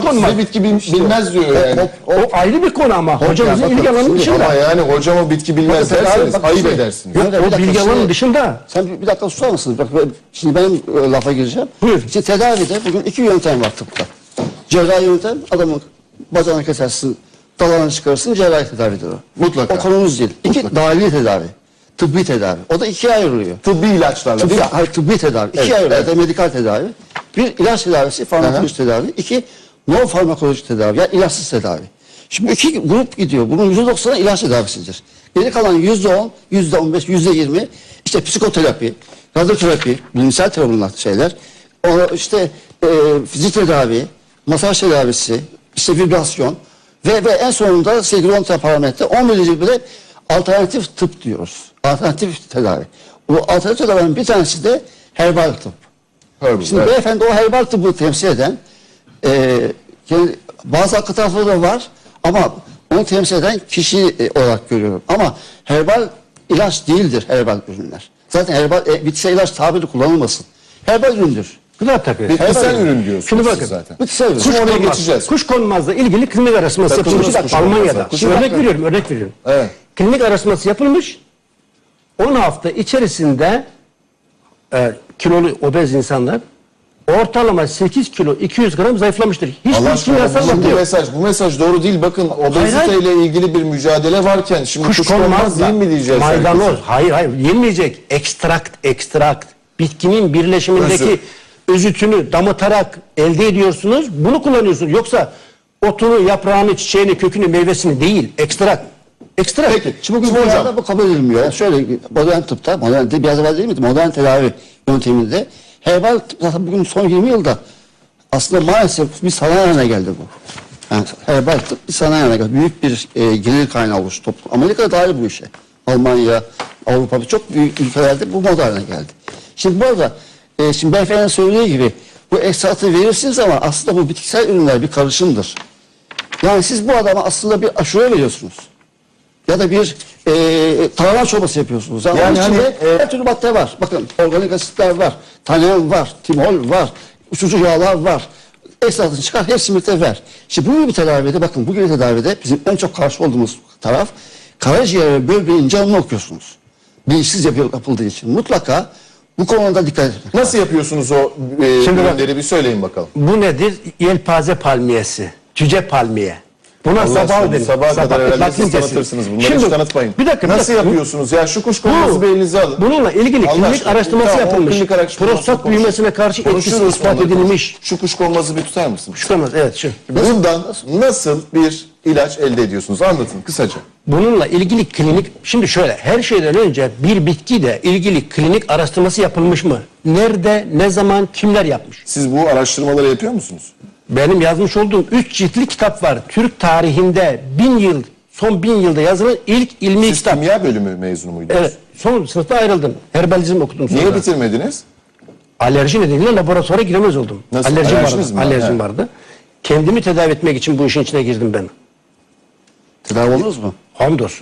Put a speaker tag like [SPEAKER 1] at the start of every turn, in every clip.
[SPEAKER 1] konu var.
[SPEAKER 2] Size bitki bilmez diyor yani.
[SPEAKER 1] O ayrı bir konu ama hocamızın
[SPEAKER 3] bakın,
[SPEAKER 1] ilgi alanının dışında.
[SPEAKER 2] Ama yani hocama bitki bilmez
[SPEAKER 3] Bakın,
[SPEAKER 2] derseniz
[SPEAKER 3] bakın,
[SPEAKER 2] ayıp
[SPEAKER 3] şimdi-
[SPEAKER 2] edersiniz.
[SPEAKER 1] Yok,
[SPEAKER 3] Bir
[SPEAKER 1] o
[SPEAKER 3] dakika,
[SPEAKER 1] bilgi alanının
[SPEAKER 3] şimdi-
[SPEAKER 1] dışında.
[SPEAKER 3] Sen bir dakika susar mısınız? Bak, şimdi benim lafa gireceğim.
[SPEAKER 1] Buyur.
[SPEAKER 3] Şimdi tedavide bugün iki yöntem var tıpta. Cerrahi yöntem, adamın bacağını kesersin, dalağını çıkarırsın, cerrahi tedavidir o.
[SPEAKER 2] Mutlaka.
[SPEAKER 3] O konumuz değil. İki, dahili tedavi, tıbbi tedavi. O da ikiye ayrılıyor.
[SPEAKER 2] Tıbbi ilaçlarla
[SPEAKER 3] Tıbbi,
[SPEAKER 2] değil mi?
[SPEAKER 3] hayır, tıbbi tedavi.
[SPEAKER 2] Evet,
[SPEAKER 3] İkiye ayrılıyor.
[SPEAKER 2] evet.
[SPEAKER 3] Medikal tedavi. Bir, ilaç tedavisi, farmakolojik tedavi. İki, non farmakolojik tedavi, yani ilaçsız tedavi. Şimdi bu iki grup gidiyor. Bunun %90'ı ilaç tedavisidir. Geri kalan %10, %15, %20 işte psikoterapi, radyoterapi, bilimsel tedavi bunlar şeyler. O işte fizik tedavi, masaj tedavisi, işte vibrasyon ve en sonunda sevgili 10 tane parametre 11. bile alternatif tıp diyoruz. Alternatif tedavi. Bu alternatif tedavinin bir tanesi de herbal tıp.
[SPEAKER 2] Herbal,
[SPEAKER 3] Şimdi
[SPEAKER 2] evet.
[SPEAKER 3] beyefendi o herbal tıbbı temsil eden bazı haklı tarafları da var ama onu temsil eden kişi olarak görüyorum. Ama herbal ilaç değildir herbal ürünler. Zaten herbal bitkisel ilaç tabiri kullanılmasın. Herbal üründür.
[SPEAKER 1] Gıda takviye.
[SPEAKER 2] Bitkisel
[SPEAKER 3] Herbal
[SPEAKER 2] ürün diyorsunuz
[SPEAKER 1] Şimdi
[SPEAKER 2] siz
[SPEAKER 1] bakın.
[SPEAKER 2] zaten.
[SPEAKER 3] Bitkisel ürün.
[SPEAKER 2] Kuş oraya
[SPEAKER 1] konmaz.
[SPEAKER 2] geçeceğiz.
[SPEAKER 1] Kuş konmazla ilgili klinik araştırması
[SPEAKER 2] Takılmış
[SPEAKER 1] yapılmış
[SPEAKER 2] kuş
[SPEAKER 1] Almanya'da.
[SPEAKER 2] konmazı.
[SPEAKER 1] Şimdi örnek veriyorum.
[SPEAKER 2] Evet.
[SPEAKER 1] Klinik araştırması yapılmış. 10 hafta içerisinde kilolu obez insanlar ortalama 8 kilo 200 gram zayıflamıştır.
[SPEAKER 2] Allah
[SPEAKER 1] Hiçbir
[SPEAKER 2] aşkına
[SPEAKER 1] kimyasal madde yok.
[SPEAKER 2] bu mesaj doğru değil. Bakın obeziteyle ilgili bir mücadele varken şimdi kuş konmaz değil mi diyeceğiz?
[SPEAKER 1] Maydanoz.
[SPEAKER 2] herkese?
[SPEAKER 1] Hayır. Yenmeyecek. Ekstrakt. Bitkinin birleşimindeki özütünü damıtarak elde ediyorsunuz. Bunu kullanıyorsunuz. Yoksa otunu, yaprağını, çiçeğini, kökünü, meyvesini değil. Ekstrakt.
[SPEAKER 2] Peki.
[SPEAKER 3] Şimdi bugün
[SPEAKER 2] Şimdi hocam.
[SPEAKER 3] dünyada bu kabul edilmiyor. Yani şöyle modern tıpta, modern de biraz evvel değil miydi? Modern tedavi yönteminde herbal tıp zaten bugün son 20 yılda aslında maalesef bir sanayi haline geldi bu. Yani herbal tıp bir sanayi haline geldi. Büyük bir gelir kaynağı oluştu toplum. Amerika dahil bu işe. Almanya, Avrupa çok büyük ülkelerde bu moda haline geldi. Şimdi bu arada şimdi beyefendinin söylediği gibi bu ekstratı verirsiniz ama aslında bu bitkisel ürünler bir karışımdır. Yani siz bu adama aslında bir aşure veriyorsunuz. Ya da bir tarhana çorbası yapıyorsunuz. Yani onun içinde her türlü madde var. Bakın organik asitler var, tanen var, timol var, uçucu yağlar var. Esasını çıkar, hepsini birlikte ver. Şimdi bu gibi tedavide, bakın bu gibi tedavide bizim en çok karşı olduğumuz taraf karaciğer ve böbreğin canını okuyorsunuz. Bilinçsiz yapıldığı için. Mutlaka bu konuda dikkat edin.
[SPEAKER 2] Nasıl yapıyorsunuz o
[SPEAKER 1] Şimdi bak-
[SPEAKER 2] ürünleri bir söyleyin bakalım.
[SPEAKER 1] Bu nedir? Yelpaze palmiyesi. Cüce palmiye. Buna
[SPEAKER 2] Allah
[SPEAKER 1] sabah
[SPEAKER 2] aşkına,
[SPEAKER 1] denir.
[SPEAKER 2] sabaha kadar herhalde siz
[SPEAKER 1] Latincesi.
[SPEAKER 2] tanıtırsınız bunları.
[SPEAKER 1] Şimdi,
[SPEAKER 2] Hiç tanıtmayın.
[SPEAKER 1] Bir dakika.
[SPEAKER 2] Nasıl yapıyorsunuz? Ya şu kuş konması bir elinize alın.
[SPEAKER 1] Bununla ilgili
[SPEAKER 2] Allah
[SPEAKER 1] klinik
[SPEAKER 2] aşkına,
[SPEAKER 1] araştırması
[SPEAKER 2] tamam, o
[SPEAKER 1] yapılmış.
[SPEAKER 2] klinik araştırması
[SPEAKER 1] Prostat
[SPEAKER 2] konuşuruz.
[SPEAKER 1] büyümesine karşı etkisi
[SPEAKER 2] Konuşuruz,
[SPEAKER 1] ispat
[SPEAKER 2] onları
[SPEAKER 1] edilmiş.
[SPEAKER 2] konuşuruz. Şu kuş konması bir tutar mısın?
[SPEAKER 1] Çıkamaz. Evet şu.
[SPEAKER 2] Bundan nasıl bir ilaç elde ediyorsunuz? Anlatın kısaca.
[SPEAKER 1] Bununla ilgili klinik, şimdi şöyle, her şeyden önce bir bitkiyle ilgili klinik araştırması yapılmış mı? Nerede, ne zaman, kimler yapmış?
[SPEAKER 2] Siz bu araştırmaları yapıyor musunuz?
[SPEAKER 1] Benim yazmış olduğum 3 ciltli kitap var. Türk tarihinde son 1000 yılda yazılan ilk ilmi
[SPEAKER 2] Siz
[SPEAKER 1] kitap.
[SPEAKER 2] kimya bölümü mezunu muydunuz?
[SPEAKER 1] Evet, son sınıfta ayrıldım. Herbalizm okudum sonra.
[SPEAKER 2] Niye bitirmediniz?
[SPEAKER 1] Alerji nedeniyle laboratuvara giremez oldum.
[SPEAKER 2] Nasıl?
[SPEAKER 1] Alerjim
[SPEAKER 2] Alerjiniz
[SPEAKER 1] vardı.
[SPEAKER 2] mi var?
[SPEAKER 1] Alerjim
[SPEAKER 2] He.
[SPEAKER 1] vardı. Kendimi tedavi etmek için bu işin içine girdim ben.
[SPEAKER 3] Tedavi oldunuz mu?
[SPEAKER 1] Hamdolsun.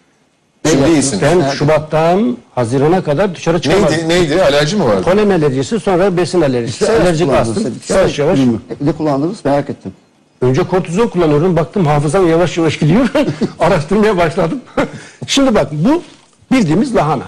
[SPEAKER 2] Şimdi iyisiniz.
[SPEAKER 1] Ben Şubat'tan Haziran'a kadar dışarı çıkamadım.
[SPEAKER 2] Neydi? Alerji mi vardı?
[SPEAKER 1] Polen alerjisi, sonra besin alerjisi, alerjik astım. Yavaş yavaş.
[SPEAKER 3] Ne kullandınız merak ettim.
[SPEAKER 1] Önce kortizon kullanıyorum. Baktım hafızam yavaş yavaş gidiyor. Araştırmaya başladım. Şimdi bak, bu bildiğimiz lahana.